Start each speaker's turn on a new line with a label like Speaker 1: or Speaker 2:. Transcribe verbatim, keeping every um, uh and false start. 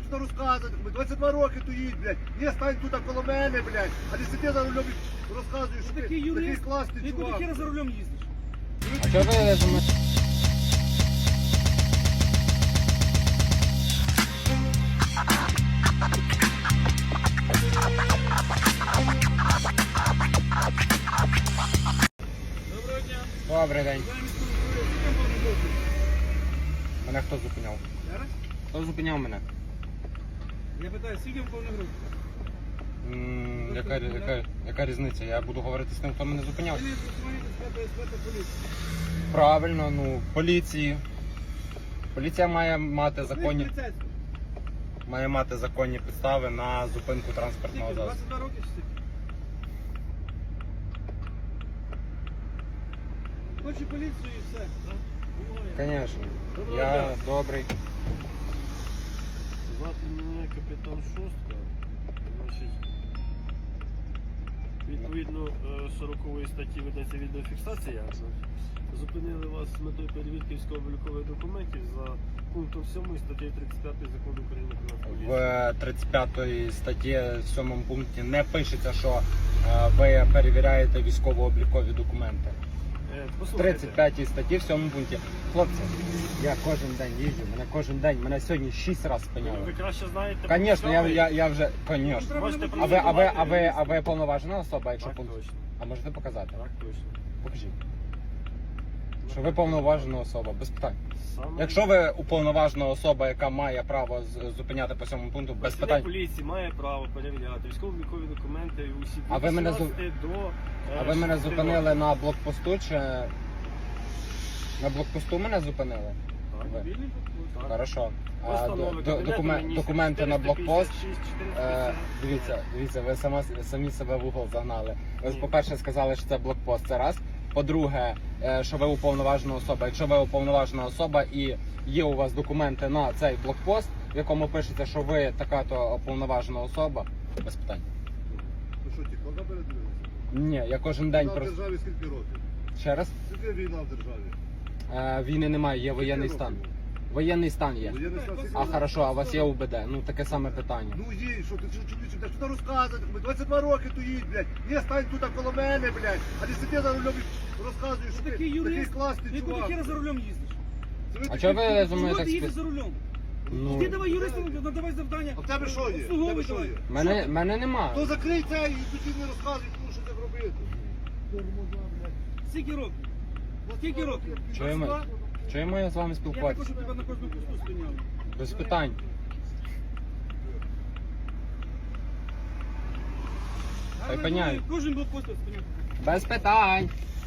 Speaker 1: що розказувати. двадцять два роки тут їдь, блядь. Не стань тут коло мене, блядь. А не сиди за рулем і розказуєш, що ти
Speaker 2: Такий
Speaker 1: такий
Speaker 2: юрист,
Speaker 1: класний
Speaker 2: ти
Speaker 1: чувак.
Speaker 2: куди хера за рулем їздиш?
Speaker 3: А чого ви за мене?
Speaker 2: Доброго дня.
Speaker 3: Добрий день.
Speaker 2: Замість того, що ви повний дозвіл.
Speaker 3: Мене хто зупиняв?
Speaker 2: Зараз?
Speaker 3: Хто зупиняв мене?
Speaker 2: Я питаю, скільки повних років?
Speaker 3: М, яка, яка, яка різниця? Я буду говорити з тим, хто мене зупиняв.
Speaker 2: Ви не документи з ПСП та поліції.
Speaker 3: Правильно, ну, поліції. Поліція має мати законні,
Speaker 2: Ви поліцейські.
Speaker 3: має мати законні підстави на зупинку
Speaker 2: Скільки?
Speaker 3: транспортного засобу.
Speaker 2: двадцять два роки чи скільки? Хочу поліцію і все. Ой.
Speaker 3: Звісно.
Speaker 2: Доброго
Speaker 3: Я
Speaker 2: дня.
Speaker 3: добрий.
Speaker 4: Звати мене капітан Шостка. Значить, відповідно е, сорокової статті ведеться відеофіксація. Зупинили вас з метою перевірки військово-облікових документів за пунктом сьомою статті тридцять п'ятої закону України про поліцію.
Speaker 3: В тридцять п'ятій статті в сьомому пункті не пишеться, що е, ви перевіряєте військово-облікові документи.
Speaker 4: Е,
Speaker 3: В
Speaker 4: послухайте,
Speaker 3: тридцять п'ятій статті в сьомому пункті. Хлопці, я кожен день їжджу, мене кожен день, мене сьогодні шість разів
Speaker 4: ви, ви
Speaker 3: спиняли.
Speaker 4: краще знаєте.
Speaker 3: Звісно, я,
Speaker 4: про
Speaker 3: я, я вже, звісно.
Speaker 2: Треба
Speaker 4: Можете
Speaker 2: не
Speaker 3: А ви, а ви, а ви,
Speaker 4: Давайте,
Speaker 3: а ви повноважена особа, якщо
Speaker 4: Так
Speaker 3: пункт?
Speaker 4: точно.
Speaker 3: А можете показати?
Speaker 4: Так точно.
Speaker 3: Покажіть. Що ви повноважена особа, без питань.
Speaker 4: Саме
Speaker 3: Якщо ви уповноважена особа, яка має право з- зупиняти по цьому пункту, без
Speaker 4: працівник
Speaker 3: питань.
Speaker 4: поліції має право перевіряти військово-облікові документи і усі
Speaker 3: А ви мене зу-
Speaker 4: відносити до е,
Speaker 3: А ви мене
Speaker 4: шести
Speaker 3: зупинили
Speaker 4: років.
Speaker 3: на блокпосту чи на блокпосту мене зупинили?
Speaker 4: Так,
Speaker 3: ви?
Speaker 4: вільний блокпост, так.
Speaker 3: Хорошо. А
Speaker 4: Постанови
Speaker 3: до- до-
Speaker 4: Кабінету
Speaker 3: докумен-
Speaker 4: Міністрів
Speaker 3: документи на блокпост.
Speaker 4: чотириста п'ятдесят шість,
Speaker 3: Е,
Speaker 4: чотириста
Speaker 3: дивіться, дивіться, ви сама, самі себе в угол загнали. Ви,
Speaker 4: Ні.
Speaker 3: по-перше, сказали, що це блокпост, це раз. По-друге, е, що ви уповноважена особа. Якщо ви уповноважена особа і є у вас документи на цей блокпост, в якому пишеться, що ви така-то уповноважена особа, без питань.
Speaker 1: Ну що, ті, коли передивилися?
Speaker 3: Ні, я кожен день
Speaker 1: Війна в
Speaker 3: просто...
Speaker 1: державі скільки років?
Speaker 3: Ще раз?
Speaker 1: Скільки війна в державі?
Speaker 3: Е, війни немає, є воєнний
Speaker 1: Скільки
Speaker 3: стан.
Speaker 1: років?
Speaker 3: Воєнний стан є.
Speaker 1: Воєнний стан скільки
Speaker 3: А
Speaker 1: років?
Speaker 3: хорошо, а у вас є УБД? Ну таке саме питання.
Speaker 1: Ну їдь, що ти що чоловіче, блядь, що ти розказувати? двадцять два роки тут їдь, блядь. Не стань тут коло мене, блядь. А не сиди за рулем і розказуєш, що
Speaker 2: Ви
Speaker 1: ти
Speaker 2: такий
Speaker 1: такий
Speaker 2: юрист,
Speaker 1: класний
Speaker 2: ти куди
Speaker 1: чувак.
Speaker 2: хера за рулем їздиш?
Speaker 1: Це ви
Speaker 3: А
Speaker 1: такі-
Speaker 3: чого ви за мною
Speaker 2: Чого
Speaker 3: так
Speaker 2: ти їздиш
Speaker 3: спі...
Speaker 2: за рулем?
Speaker 3: Ну,
Speaker 2: Ти давай юристу, надавай завдання.
Speaker 1: А в тебе що є? В тебе
Speaker 2: Обслуговуй
Speaker 1: що
Speaker 2: давай.
Speaker 1: є?
Speaker 3: мене, мене нема.
Speaker 1: То закрий це і тоді не розказуй, тому що так робити.
Speaker 2: Скільки років? Скільки років?
Speaker 3: Чуємо, чуємо я з вами
Speaker 2: Я також,
Speaker 3: спілкуватися?
Speaker 2: щоб тебе на кожному посту спиняли.
Speaker 3: Без питань. Та й
Speaker 2: Але
Speaker 3: пеняю.
Speaker 2: Кожен блокпост спиняти.
Speaker 3: Без питань.